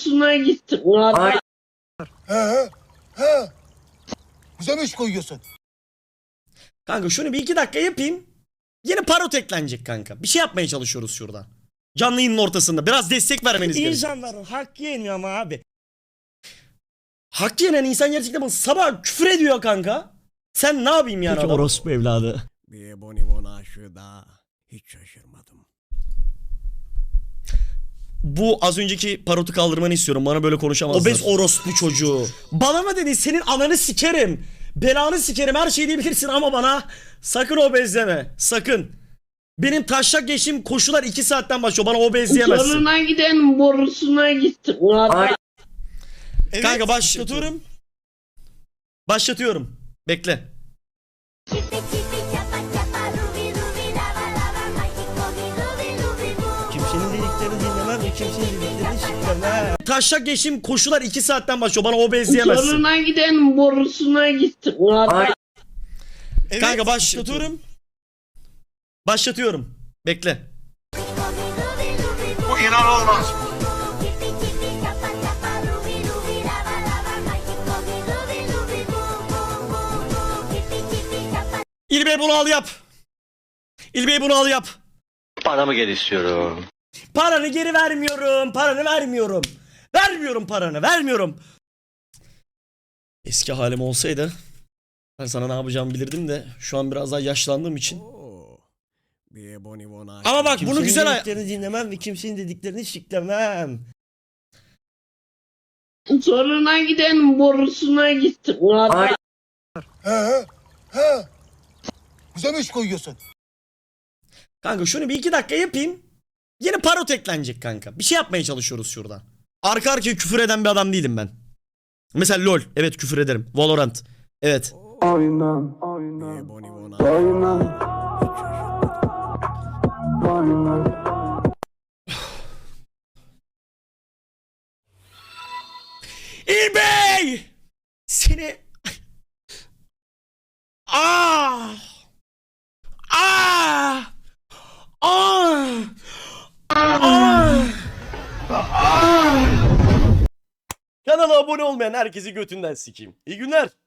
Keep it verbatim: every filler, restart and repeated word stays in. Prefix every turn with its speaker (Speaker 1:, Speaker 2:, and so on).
Speaker 1: borusuna gittim.
Speaker 2: He he he. Bize mi iş koyuyorsun?
Speaker 3: Kanka şunu bir iki dakika yapayım. Yeni parot eklenecek kanka. Bir şey yapmaya çalışıyoruz şurada. Canlı yayının ortasında. Biraz destek vermeniz gerekiyor.
Speaker 4: İnsanların hakkı yeniyor ama abi.
Speaker 3: Hak yenen insan gerçekten bana sabah küfür ediyor kanka. Sen ne yapayım yani
Speaker 4: Peki
Speaker 3: adam?
Speaker 4: orospu evladı.
Speaker 5: Bir bonibon aşığı da hiç şaşırmadım.
Speaker 3: Bu az önceki parotu kaldırmanı istiyorum. Bana böyle konuşamazlar. Obez orospu çocuğu. Bana mı dedi? Senin ananı sikerim. Belanı sikerim. Her şeyi diyebilirsin ama bana sakın obez deme. Sakın. Benim taşak geçtiğim koşular iki saatten başlıyor. Bana obez diyemezsin.
Speaker 1: Zoruna giden borusuna gittim.
Speaker 3: Evet, kanka başlatıyorum. Başlatıyorum. Bekle.
Speaker 4: Kimsenin dediklerini dinlemem ve kimsenin dediklerini siklemem.
Speaker 3: Taşak geçtiğim koşular iki saatten başlıyor. Bana obez diyemezsin.
Speaker 1: Zoruna giden borusuna gittim.
Speaker 3: Evet, kanka başlatıyorum. Başlatıyorum. Bekle.
Speaker 2: Bu inanılmaz.
Speaker 3: İlbey bunu al yap. İlbey bunu al yap.
Speaker 6: Paramı geri istiyorum.
Speaker 3: Paranı geri vermiyorum. Paranı vermiyorum. Vermiyorum paranı. Vermiyorum. Eski halim olsaydı ben sana ne yapacağımı bilirdim de şu an biraz daha yaşlandığım için.
Speaker 5: Oo, bir bonibon aşığı.
Speaker 3: Ama bak bunu
Speaker 4: Kimsenin
Speaker 3: güzel ay-
Speaker 4: dediklerini dinlemem ve kimsenin dediklerini siklemem.
Speaker 1: Zoruna giden borusuna gittim.
Speaker 2: He he he. Bize mi iş koyuyorsun?
Speaker 3: Kanka şunu bir iki dakika yapayım. Yeni parot eklenecek kanka. Bir şey yapmaya çalışıyoruz şurada. Arka arkaya küfür eden bir adam değilim ben. Mesela LOL. Evet küfür ederim. Valorant. Evet.
Speaker 2: Aynen
Speaker 5: Bir
Speaker 2: aynen.
Speaker 5: bonibon aşığı.
Speaker 2: Aynen. Aynen.
Speaker 3: İlbey! Seni... Ah! Ah! Ah! Ah! Ah! Kanala abone olmayan herkesi götünden sikeyim. İyi günler.